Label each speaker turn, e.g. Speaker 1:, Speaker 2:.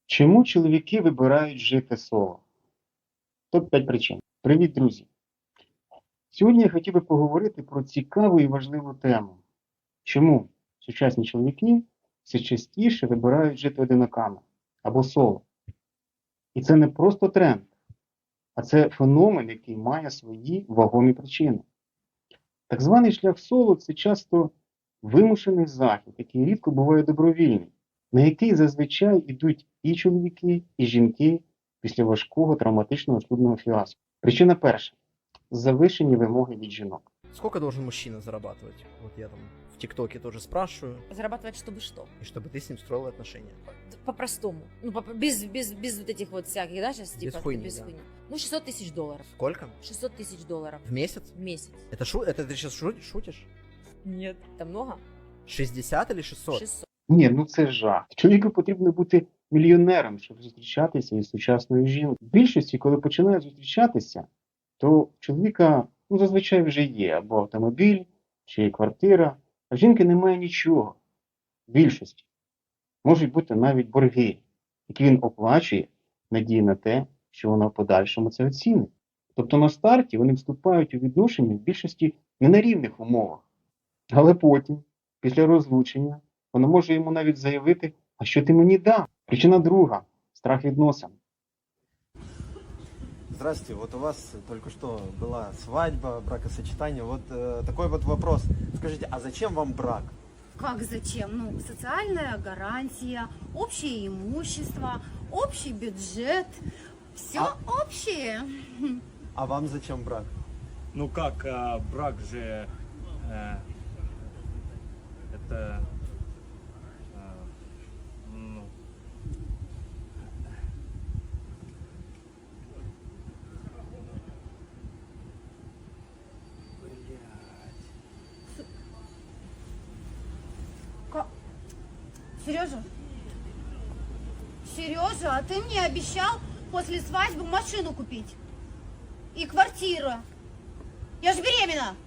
Speaker 1: Чому чоловіки вибирають жити соло? Топ-5 причин. Привіт, друзі! Сьогодні я хотів би поговорити про цікаву і важливу тему. Чому сучасні чоловіки все частіше вибирають жити одиноками або соло? І це не просто тренд, а це феномен, який має свої вагомі причини. Так званий шлях соло – це часто вимушений захід, який рідко буває добровільний, на який зазвичай йдуть і чоловіки, і жінки після важкого травматичного шлюбного фіаско. Причина перша – завишені вимоги від жінок.
Speaker 2: Сколько должен мужчина зарабатывать? Вот я там в ТикТоке тоже спрашиваю.
Speaker 3: Зарабатывать чтобы что?
Speaker 2: И чтобы ты с ним строила отношения.
Speaker 3: По-простому. Ну, без вот этих вот всяких, да, сейчас типа.
Speaker 2: хуйни,
Speaker 3: без
Speaker 2: да.
Speaker 3: хуйни. Ну, 600 тысяч долларов.
Speaker 2: Сколько?
Speaker 3: 600 тысяч долларов
Speaker 2: В месяц?
Speaker 3: в месяц.
Speaker 2: Это ты сейчас шутишь?
Speaker 3: Нет. Это много?
Speaker 2: 60 или 600?
Speaker 3: 600.
Speaker 1: Ні, ну це жах. Чоловіку потрібно бути мільйонером, щоб зустрічатися із сучасною жінкою. В більшості, коли починають зустрічатися, то в чоловіка зазвичай вже є або автомобіль, чи квартира, а в жінки немає нічого. В більшості. Можуть бути навіть борги, які він оплачує, надії на те, що вона в подальшому це оцінить. Тобто на старті вони вступають у відношення в більшості не на рівних умовах. Але потім, після розлучення, вона може йому навіть заявити, а що ти мені дав? Причина друга – страх відносин.
Speaker 4: Здравствуйте, вот у вас только что была свадьба, бракосочетание. Вот такой вот вопрос. Скажите, а зачем вам брак?
Speaker 5: Как зачем? Ну, социальная гарантия, общее имущество, общий бюджет. Все общее.
Speaker 4: А вам зачем брак?
Speaker 6: Ну как, брак же это ну,
Speaker 5: Сережа? Сережа, а ты мне обещал после свадьбы машину купить. И квартиру. Я же беременна.